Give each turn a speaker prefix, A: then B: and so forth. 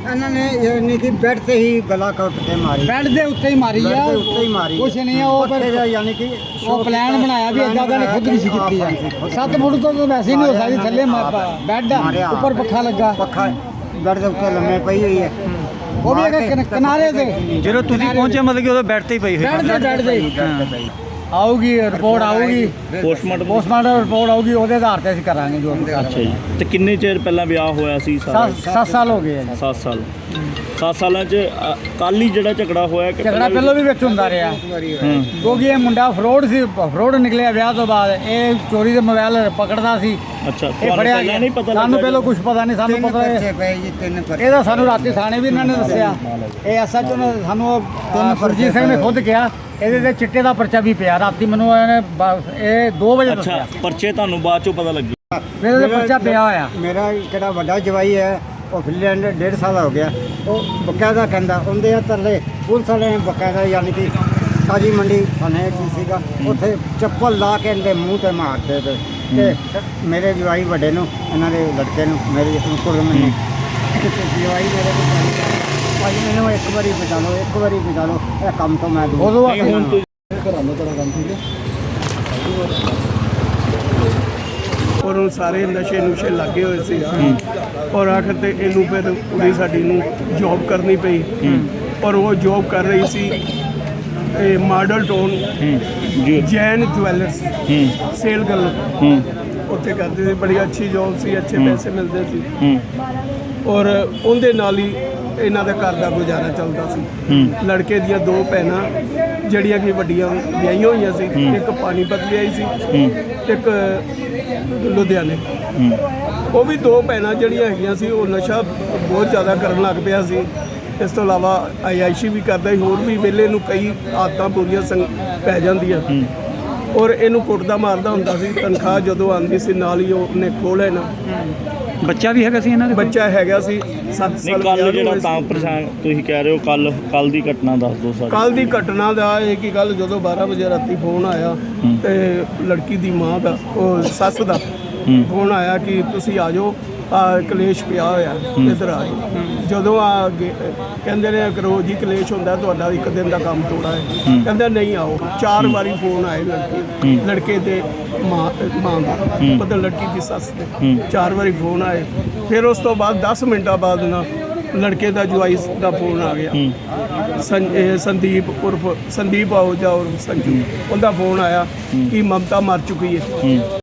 A: इन्होंने यानी कि बेड से ही गला कट के मारी,
B: ਬੈੱਡ ਦੇ ਉੱਤੇ ਹੀ ਮਾਰੀ
A: बेड
B: ਆ
A: के उत्ते ही मारी।
B: ਕੁਛ ਨਹੀਂ ਆ ਉਹ
A: पत्थे
B: ਫਿਰ
A: दा यानी कि
B: ਉਹ ਪਲਾਨ ਬਣਾਇਆ ਵੀ ਏਦਾਂ ਦਾ ਨੇ ਖੁਦ ਨਹੀਂ ਸੀ ਕੀਤੀ ਆ 7 ਫੁੱਟ ਤੋਂ ਤਾਂ ਵੈਸੇ ਹੀ ਨਹੀਂ ਹੋ ਸਕਦੀ ਥੱਲੇ ਬੈੱਡ ਆ ਉੱਪਰ ਪੱਖਾ ਲੱਗਾ
A: पखा बेड के उत्ते लम्बे पई हुई है,
B: ਉਹ ਵੀ ਇੱਕ ਕਿਨਾਰੇ ਤੇ
C: ਜਦੋਂ ਤੁਸੀਂ ਪਹੁੰਚੇ ਮਤਲਬ ਕਿ ਉਹਦਾ ਬੈੱਡ ਤੇ ਹੀ ਪਈ ਹੋਈ
B: ਬੈੱਡ ਤੇ ਆਊਗੀ ਰਿਪੋਰਟ ਆਊਗੀ ਪੋਸਟਮਾਰਟਮ ਰਿਪੋਰਟ ਆਊਗੀ ਉਹਦੇ ਆਧਾਰ ਤੇ ਅਸੀਂ ਕਰਾਂਗੇ ਜੋ ਵੀ
D: ਅੱਛਾ ਜੀ। ਤੇ ਕਿੰਨੇ ਚਿਰ ਪਹਿਲਾਂ ਵਿਆਹ ਹੋਇਆ ਸੀ ਸਾਰਾ?
B: 7 ਸਾਲ ਹੋ ਗਏ ਆ ਜੀ।
D: 7 ਸਾਲ 7 ਸਾਲਾਂ ਚ ਕੱਲ ਹੀ ਜਿਹੜਾ ਝਗੜਾ ਹੋਇਆ ਕਿ
B: ਝਗੜਾ ਪਹਿਲਾਂ ਵੀ ਵਿੱਚ ਹੁੰਦਾ ਰਿਹਾ ਕਿਉਂਕਿ ਇਹ ਮੁੰਡਾ ਫਰੋਡ ਨਿਕਲਿਆ ਵਿਆਹ ਤੋਂ ਬਾਅਦ ਇਹ ਚੋਰੀ ਦੇ ਮੋਬਾਈਲ ਪਕੜਦਾ ਸੀ
D: ਅੱਛਾ
B: ਇਹ
D: ਤੁਹਾਨੂੰ
B: ਫੜਿਆ
D: ਪਹਿਲਾਂ ਨਹੀਂ ਪਤਾ
B: ਸਾਨੂੰ
D: ਲੱਗਾ
B: ਪਹਿਲਾਂ ਕੁਝ ਪਤਾ ਨਹੀਂ ਸਾਨੂੰ
A: तीन
B: ਪਤਾ
A: पर्चे पे जी, तीन पर्चे।
B: ਇਹਦਾ ਸਾਨੂੰ ਰਾਤੀ ਥਾਣੇ ਵੀ ਇਹਨਾਂ ਨੇ ਦੱਸਿਆ ਇਹ ਐਸਐਚਓ ਨੇ ਸਾਨੂੰ ਸੁਰਜੀਤ ਸਿੰਘ ਨੇ ਖੁਦ ਕਿਹਾ ਇਹਦੇ ਤੇ ਚਿੱਟੇ ਦਾ ਪਰਚਾ ਵੀ ਪਿਆ ਰਾਤੀ ਮੈਨੂੰ ਇਹਨੇ ਇਹ 2 ਵਜੇ
D: ਅੱਛਾ
B: ਦੱਸਿਆ
D: ਪਰਚੇ ਤੁਹਾਨੂੰ ਬਾਅਦ ਚੋਂ ਪਤਾ ਲੱਗੀ?
B: ਮੇਰੇ ਤੇ ਪਰਚਾ ਪਿਆ ਹੋਇਆ
A: मेरा किहड़ा वड्डा जवाई है वो फिनलैंड 1.5 साल हो गया, वो बकायदा कहता उनके तरले पुलिस वाले ने बकायदा यानी कि ताजी मंडी थाने सीगा उत्थे चप्पल ला के इनके मूँह से मारते थे ते मेरे जवाई वड्डे नूं इन्हां दे लड़के नूं मेरे कुड़मे ने जवाई मेरे को भाई मैनू एक बारी बचा लो, एक बारी बचा लो, यह काम तो मैं दूर।
B: ਉਦੋਂ
D: ਨਹੀਂ, ਹੁਣ
E: ਔਰ ਉਹ ਸਾਰੇ ਨਸ਼ੇ ਨੁਸ਼ੇ ਲੱਗੇ ਹੋਏ ਸੀ ਔਰ ਆਖਰ ਤੇ ਇਹਨੂੰ ਫਿਰ ਕੁੜੀ ਸਾਡੀ ਨੂੰ ਜੌਬ ਕਰਨੀ ਪਈ ਔਰ ਉਹ ਜੌਬ ਕਰ ਰਹੀ ਸੀ ਇਹ Model Town Jain jewellers sale ਗੱਲ ਉੱਥੇ ਕਰਦੀ ਸੀ, ਬੜੀ ਅੱਛੀ ਜੌਬ ਸੀ, ਅੱਛੇ ਪੈਸੇ ਮਿਲਦੇ ਸੀ ਔਰ ਉਹਦੇ ਨਾਲ ਹੀ ਇਹਨਾਂ ਦੇ ਘਰ ਦਾ ਗੁਜ਼ਾਰਾ ਚੱਲਦਾ ਸੀ। ਲੜਕੇ ਦੀਆਂ 2 ਭੈਣਾਂ ਜਿਹੜੀਆਂ ਕਿ ਵੱਡੀਆਂ ਵਿਆਹੀਆਂ ਹੋਈਆਂ ਸੀ, ਇੱਕ ਪਾਣੀਪਤ ਵਿਆਹੀ ਸੀ, ਇੱਕ ਲੁਧਿਆਣੇ। ਉਹ ਵੀ 2 ਭੈਣਾਂ ਜਿਹੜੀਆਂ ਹੈਗੀਆਂ ਸੀ ਉਹ ਨਸ਼ਾ ਬਹੁਤ ਜ਼ਿਆਦਾ ਕਰਨ ਲੱਗ ਪਿਆ ਸੀ। ਇਸ ਤੋਂ ਇਲਾਵਾ ਆਇਆਇਸ਼ੀ ਵੀ ਕਰਦਾ ਸੀ, ਹੋਰ ਵੀ ਵੇਲੇ ਨੂੰ ਕਈ ਆਦਤਾਂ ਪੂਰੀਆਂ ਪੈ ਜਾਂਦੀਆਂ ਔਰ ਇਹਨੂੰ ਕੁੱਟਦਾ ਮਾਰਦਾ ਹੁੰਦਾ ਸੀ। ਤਨਖਾਹ ਜਦੋਂ ਆਉਂਦੀ ਸੀ ਨਾਲ ਹੀ ਉਹਨੇ ਖੋਹ ਲੈਣਾ।
C: ਬੱਚਾ ਵੀ ਹੈਗਾ ਸੀ ਇਹਨਾਂ ਦੇ ਕੋਲ?
E: ਬੱਚਾ ਹੈਗਾ ਸੀ 7
D: ਨਹੀਂ
E: ਸਾਲ।
D: ਕੱਲ ਜਿਹੜਾ ਤਾਂ ਪਰੇਸ਼ਾਨ ਤੁਸੀਂ ਕਹਿ ਰਹੇ ਹੋ ਕੱਲ ਦੀ ਘਟਨਾ ਦੱਸ ਦਿਓ ਸਾਨੂੰ।
E: ਕੱਲ ਦੀ ਘਟਨਾ ਦਾ ਇਹ ਕਿ ਕੱਲ ਜਦੋਂ 12 ਵਜੇ ਰਾਤੀ ਫੋਨ ਆਇਆ ਤੇ ਲੜਕੀ ਦੀ ਮਾਂ ਦਾ ਉਹ ਸੱਸ ਦਾ ਫੋਨ ਆਇਆ ਕਿ ਤੁਸੀਂ ਆ ਜਾਓ, ਕਲੇਸ਼ ਪਿਆ ਹੋਇਆ ਇੱਧਰ ਆ ਜਾਓ। ਜਦੋਂ ਆ ਕਹਿੰਦੇ ਨੇ ਰੋਜ਼ ਹੀ ਕਲੇਸ਼ ਹੁੰਦਾ, ਤੁਹਾਡਾ ਇੱਕ ਦਿਨ ਦਾ ਕੰਮ ਥੋੜਾ ਹੈ। ਕਹਿੰਦਾ ਨਹੀਂ ਆਓ। 4 ਵਾਰੀ ਫੋਨ ਆਏ ਲੜਕੇ ਦੇ ਮਾਂ ਦਾ ਮਤਲਬ ਲੜਕੀ ਦੀ ਸੱਸ ਦੇ 4 ਵਾਰੀ ਫੋਨ ਆਏ। ਫਿਰ ਉਸ ਤੋਂ ਬਾਅਦ 10 ਮਿੰਟਾਂ ਬਾਅਦ ਨਾ ਲੜਕੇ ਦਾ ਜਵਾਈ ਦਾ ਫੋਨ ਆ ਗਿਆ, ਸੰਦੀਪ ਆਹੂਜਾ ਉਰਫ ਸੰਜੂ, ਉਹਦਾ ਫੋਨ ਆਇਆ ਕਿ ਮਮਤਾ ਮਰ ਚੁੱਕੀ ਹੈ